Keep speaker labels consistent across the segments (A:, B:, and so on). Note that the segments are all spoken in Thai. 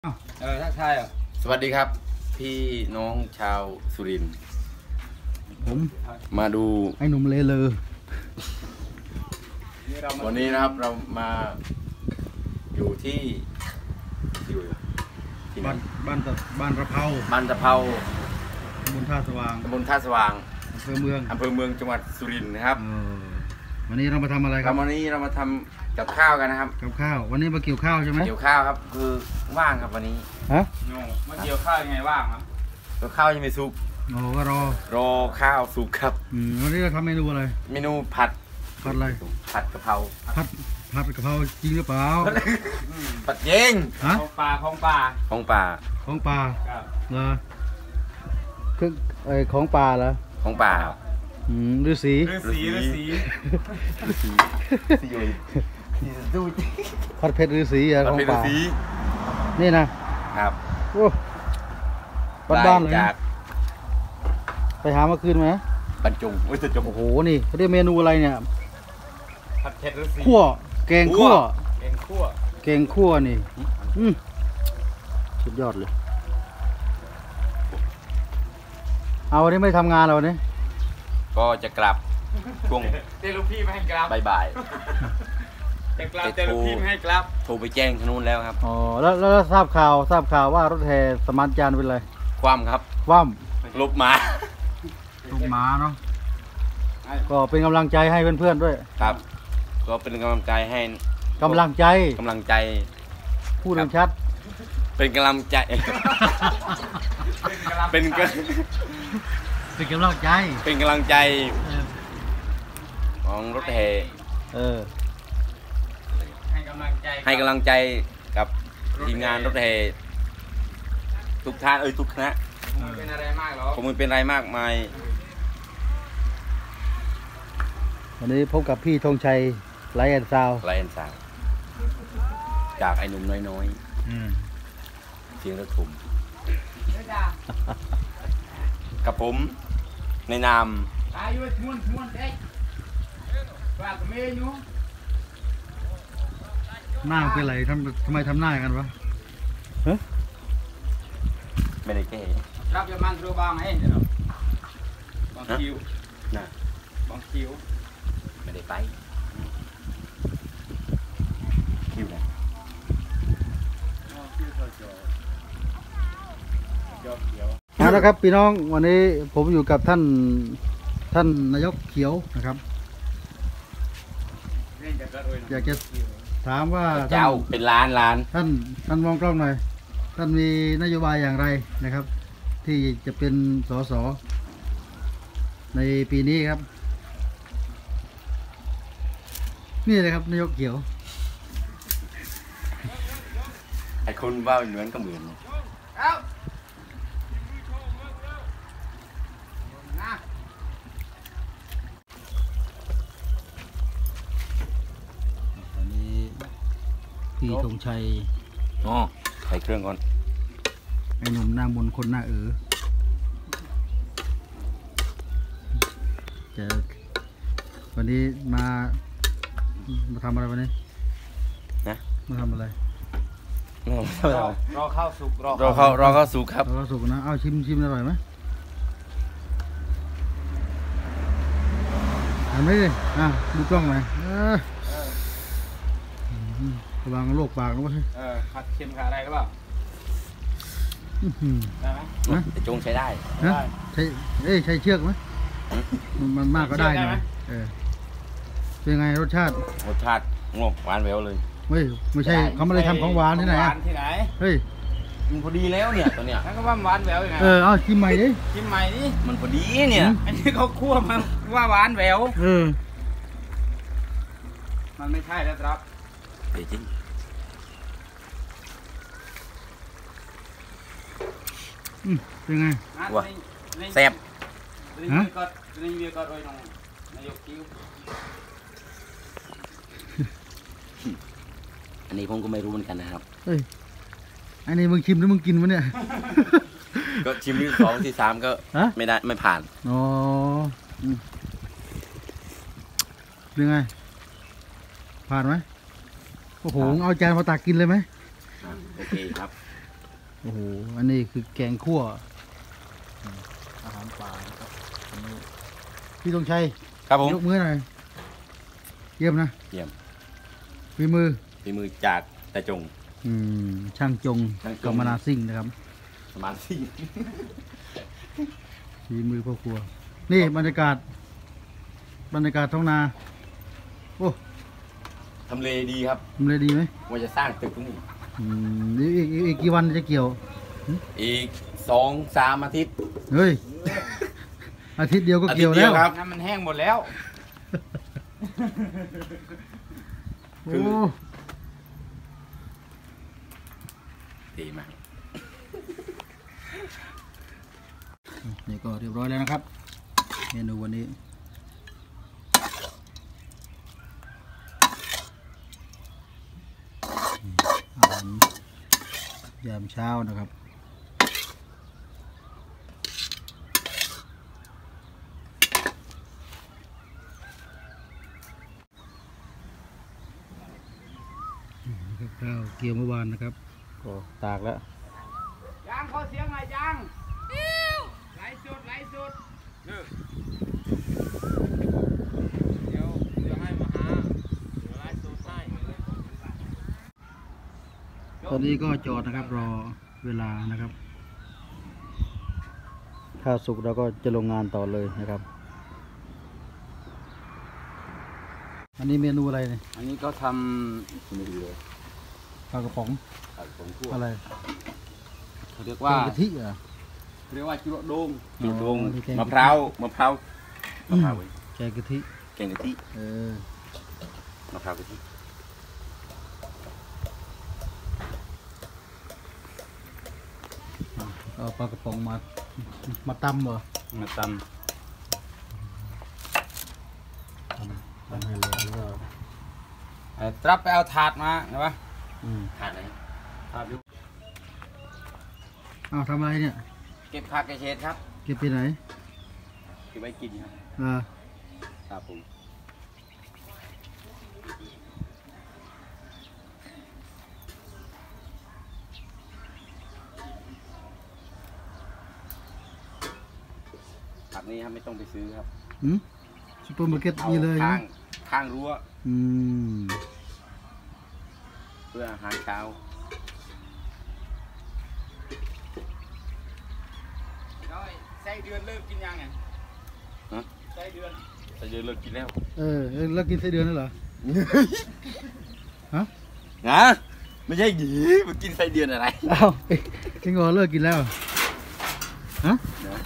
A: ถ้าใช่เหรอ
B: สวัสดีครับพี่น้องชาวสุรินทร์ผมมาดู
C: ไอ้หนุ่มเลเลอ
B: วันนี้นะครับเรามาอยู่ที่
C: บ้านตะเภา
B: บ้านตะเภา
C: ตำบลท่าสว่าง
B: อำเภอเมืองจังหวัดสุรินทร์นะครับ
C: วันนี้เรามาทำอะไรครับ
B: วันนี้เรามาทำกับข้าวกันนะครับ
C: กับข้าววันนี้มาเกี่ยวข้าวใช่ไหม
B: เกี่ยวข้าวครับคือว่างครับวันนี้
A: ฮะมาเกี่ยวข้าวยังไงว่างครับ
B: เกี่ยวข้าวยังไม่สุก
C: ก็รอ
B: ข้าวสุกครับ
C: วันนี้เราทำเมนูอะไร
B: เมนูผัด
C: อะไร
B: ผัดกะเพรา
C: ผัดกะเพราจริงหรือเปล่า
B: ผัดเย็ง
A: ของป่า
C: ของป่าเหรอคือของป่าเหรอ
B: ของป่า
C: ฤาษีผัดเผ็ดฤาษีของป่านี่นะครับโอ้บ้านเลยไปหามาคืนไหม
B: บรรจง
C: โอ้โหนี่เขาเรียกเมนูอะไรเนี่ย
A: ผัดเผ็ดฤาษี
C: แกงคั่วนี่สุดยอดเลยเอาวันนี้ไม่ทำงานแล้ววันนี้
B: ก็จะกลับช่วง
A: เจลูกพี่ไม่ให้กลับ
B: บ่าย
A: จะกลับเจลูกพี่ไม่ให้กลับ
B: โทรไปแจ้งทางนู้นแล้วครับ
C: แล้วทราบข่าวว่ารถแห่สมานจานเป็นไร
B: คว่ำครับลบมา
C: เนาะก็เป็นกำลังใจให้เพื่อนๆด้วย
B: ครับก็เป็นกำลังใจให้
C: กำลังใจพูดชัด
B: เป็นกำลังใจเป็นกำลังใจของรถแห่
A: ให้กำ
B: ลังใจกับทีมงานรถแห่ทุกท่านทุกคณะ
A: ผมไม่เป็นอะไรมากหรอก
B: ผมไม่เป็นอะไรมากมาย
C: วันนี้พบกับพี่ธงชัยไลแอนซาว
B: จากไอ้หนุ่มน้อยๆเสียงระทุ่มกับผมในนาม
C: หน้าเป็นไรทำไมทำหน้ากันวะ
B: ไม่ได้แก้
A: รับยามันตัวบางให้บางคิวบางคิว
B: ไม่ได้ไปคิวไหน
C: นะครับพี่น้องวันนี้ผมอยู่กับท่านนายกเขียวนะครับอยากจะถามว่า
B: เจ้าเป็นล้าน
C: ท่านมองกล้องหน่อยท่านมีนโยบายอย่างไรนะครับที่จะเป็นสสในปีนี้ครับนี่เลยครับนายกเขียว
B: ไอ้คนว่าเหมือนก็เหมือน
C: พี่ธงชัย
B: ใส่เครื่องก่อน
C: ไอ้หนุ่มหน้ามนคนหน้าจะวันนี้มาทำอะไรวันนี้
B: นะ
C: มาทำอะไร
A: รอข้าวสุก
B: รอข้าวสุกครับ
C: รอข้าวสุกนะเอาชิมอร่อยไหมทำไหมดิดูกล้องหน่อยระวังโรคปากนะวะ
A: ผัดเค็มขาอะไรหรือเปล่าได้ไหม
B: แต่จงใช้ได้
C: ใช้เชือกไหมมันมากก็ได้นะเป็นไงรสชาติ
B: งบหวานแหววเลย
C: ไม่ใช่เขาไม่ได้ทำของหวานที่ไหนเฮ้ย
B: มันพอดีแล้วเนี่ยตัวเนี้ย
A: นั่นก็ว่าหวานแหววยังไง
C: เอาชิมใหม่ดิ
B: มันพอดีเนี่ย
A: อันนี้เขาคั่วมันว่าหวานแหววมันไม่ใช่แล้วครับ
B: จริง
C: เป็นไง
B: วะแซ่บอันนี้ผมก็ไม่รู้เหมือนกันนะครับ
C: อันนี้มึงชิมหรือมึงกินวะเนี่ย
B: ก็ชิมที่2 ที่ 3ก็ไม่ได้ไม่ผ่าน
C: เป็นไงผ่านไหมโอ้โหเอาจานมาตักกินเลยไหม
B: โอเคครับ
C: โอ้โหอันนี้คือแกงคั่วอาหารป่านะครับอันนี้พี่ธงชัย
B: ครับผม
C: ยกมือหน่อยเยี่ยมนะ
B: เยี่ยม
C: ฝีมือ
B: ฝีมือจากตาจง
C: ช่างจง
B: ช่างจง
C: กำมนาซิ่งนะครับ
B: ประมาณสี่
C: ฝีมือพ่อครัวนี่บรรยากาศท้องนาโอ้
B: ทำเลดีครับ
C: ทำเลดีไหม
B: ว่าจะสร้างตึกตรงนี้
C: อีกกี่วันจะเกี่ยว
B: อีก2-3 อาทิตย์
C: เฮ้ย อาทิตย์เดียวก็เกี่ยวแล้ว
B: ครับ
A: น้ำมันแห้งหมดแล้ว
C: โอ้
B: ดีมาก
C: นี่ก็เรียบร้อยแล้วนะครับ เมนูวันนี้อาหารยามเช้านะครับข้าวเกี่ยวเมื่อวานนะครับก็ตากแล้ว
A: ยางขอเสียงหน่อยยางไหลสุดเดี๋ยวให้มาหาไหลสุดให้
C: ตอนนี้ก็จอดนะครับรอเวลานะครับข้าวสุกเราก็จะลงงานต่อเลยนะครับ อันนี้เมนูอะไรเนี่ย
B: อันนี้ก็ทำไม่ดีเลย
C: ปลากระป๋อง
B: ผัดผงคั่ว
C: อะไร
B: เขาเรียก
C: แก
B: ว่าง
C: กะทิเหรอ
B: เรียกว่าจุโดง
C: อ๋อ
B: จุโดง
C: นี่แกง
B: มะพร้าวเว้ย
C: แกงกะทิ
B: แกงกะทิ
C: เออ
B: มะพร้าวกะทิ
C: เอาปลากระป๋องมาตำเหรอ
B: มาต
C: ตำให้เลยแล้วก็
A: ตรับไปเอาถาดมาเห็นปะ
B: ำขาดอะไร
A: ถาดอยู่
C: อ้าวทำอะไรเนี่ย
B: เก็บผักกระเฉดครับ
C: เก็บไปไหน
B: เก็บไว้กินครับ
C: อ่า
B: ครับผม ผักนี้ครับไม่ต้องไปซื้อครับ
C: ซุปเปอร์มาร์เก็ต
B: เอา
C: มีเลย
B: ข้า
C: นะ
B: งข้างรั้ว
C: อืม
B: เพื่ออาหารเช้า
A: ไส้เดือนเลิกกินยังไง
B: ฮะ
A: ไส้เดือน
B: แต่เดือนเลิกกินแล้ว
C: แล้วกินไส้เดือนนั่นเหรอ ฮะ
B: นะไม่ใช่หยีมากินไส้เดือนอะไร
C: อ้าวเอ็งก็เลิกกินแล้ว ฮะ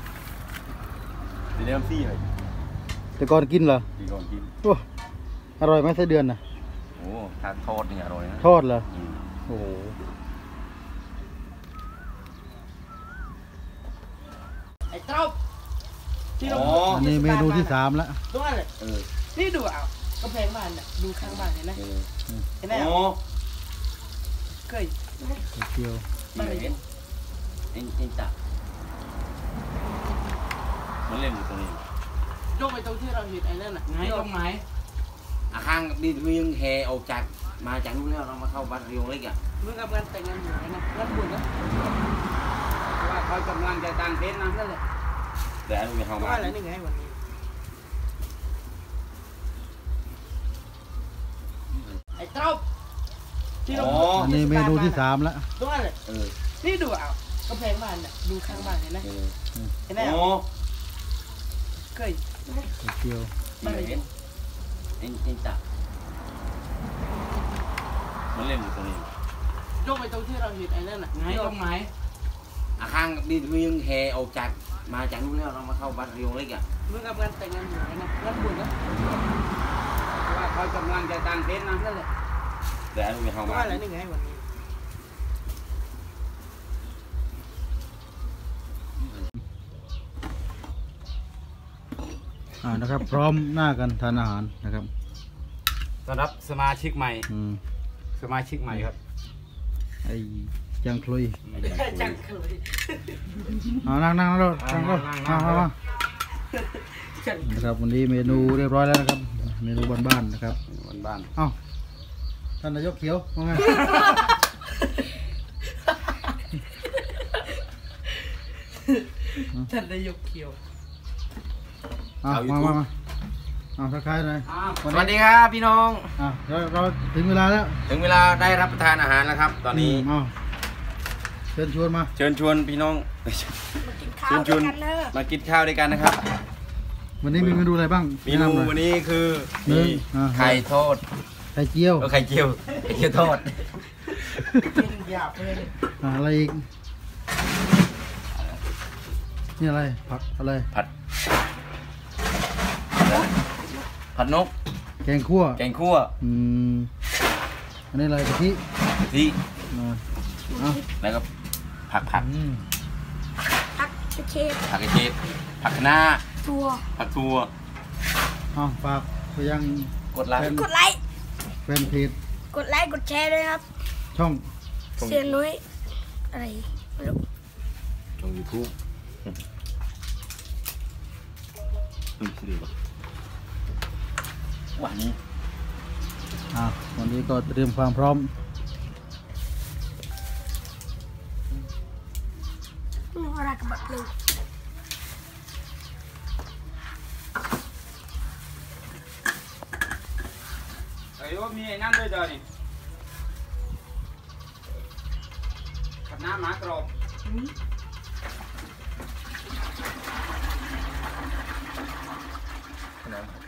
B: ตีเนื้อซี่เลย
C: แต่ก่อนกินเหรอ
B: ตีก่อนกิน
C: โอ้อร่อยไหมไส้เดือนน่ะ
B: โอ้ทานทอดนี่อร่อยนะ
C: ทอดเหรอ
B: อืม
C: โอ้โห
D: ไอ้เต้าที่เรา
B: อ๋อ
C: อันนี้เมนูที่ 3แล้ว
D: ตรงนั้นเลย
B: เออ
D: นี่ดูอ่ะกำแพงบ้านเนี่ยดูข้างบ้านเห็นไหม
B: เออ
D: เห็นไหม
B: อ๋อ
D: เคย
C: ไข่เจียว
B: ไม่เห็นเอ็นจับมันเล่นอยู่ตรงนี้
D: ยกไปตรงที่เราเห็นไอ้นั่นน่ะ
A: ไหนตรงไหน
B: อาข้างนี่เรียงแฮออกจากมาจากนู้นแล้วเรามาเข้าบ้านเรียงเล็กอ่ะ
D: มึงกับงานแต่งงานอยู่ไงนะงานบุญนะ
A: ว่าเขากำลังจะตั้งเต็นท์นะ
D: นั่นแหละ
B: แต่อันนี้ไม่เข้า
D: ว่า
B: มา
D: อะไรนี่ไงวันนี้ไอ้เต้าที่เรา
C: อันนี้เมนูที่ 3แล้ว
D: ตรงนั้นเลย
B: เออ
D: นี่ดูอ่ะกำแพงบ้านเนี่ยดูข้างบ้านเห็นไหม
B: เออ
D: เห็นไหม
B: อ๋อ
D: เคย
C: ไข่เจียว
B: ไม่เห็นเอ็นจับมันเล่นอยู่ตรงนี้
D: ยกไปตรงที่เราเห็นไอ้นั่นน่ะ
A: ไหนตรงไหน
B: อาข้างนี่เรียงแฮออกจากมาจากนู้นแล้วเรามาเข้าบ้านเรียงเล็กอ่ะ
D: มึงกับงานแต่งงานอยู่ไงนะงานบุญนะ
A: ว่าเขากำลังจะตั้งเต็นท์นะ
D: นั่นแหละ
B: แต่อันนี้ไม่เข้ามา
D: ว่าอะไรนี่ไงวันนี้
C: นะครับ พร้อมหน้ากันทานอาหารนะครับ
A: ต้อนรับสมาชิกใหม่ สมาชิกใหม่ครับ
C: ไอ้จังคลุย
D: จังเคย
C: นั่งนั่งแล้วนั่งแล้วมานะครับวันนี้เมนูเรียบร้อยแล้วนะครับ เมนูบ้านๆนะครับ
B: บ้าน
C: เอ้าท่านนายกเขียวว่าไง
D: ท่านนายกเขียว
C: มาทักทายหน่อย
B: สวัสดีครับพี่น้อง
C: เราถึงเวลาแล้ว
B: ถึงเวลาได้รับประทานอาหารแล้วครับ ตอนนี้
C: เชิญชวนมา
B: เชิญชวนพี่น้องเชิญชวนมากินข้าวด้วยกันนะครับ
C: วันนี้มีเมนูอะไรบ้าง
B: เมนูวันนี้คือมีไข่ทอด
C: ไข่เจียว
B: ไข่เจียวทอด
D: หยาบเลย
C: อะไรอีกนี่อะไรผักอะไร
B: ผัดนก
C: แกงคั่ว อันนี้อะไรกะทิ
B: ที่
C: เอา
B: แล้วก็ผัก
E: ผักเชฟ
B: ผักกระเจี๊ยบผักคะน้า
E: ตัว
B: ผักทั่ว
C: เอาฝากไปยัง
B: กดไลค์
E: กดไลค์
C: แฟนเพจ
E: กดไลค์ กดแชร์ด้วยครับ
C: ช่อง
E: เสียนุ้ยอะไรไม่รู้
B: ช่องยูทูบวันนี้
C: วันนี้ก็เตรียมความพร้อม
E: อะไรกับแบบนึง
A: ไอ้ว่ามีไอ้นั่นด้วยเดี๋ยวนี่ขับน้ำหมากรอบ
B: น้ำ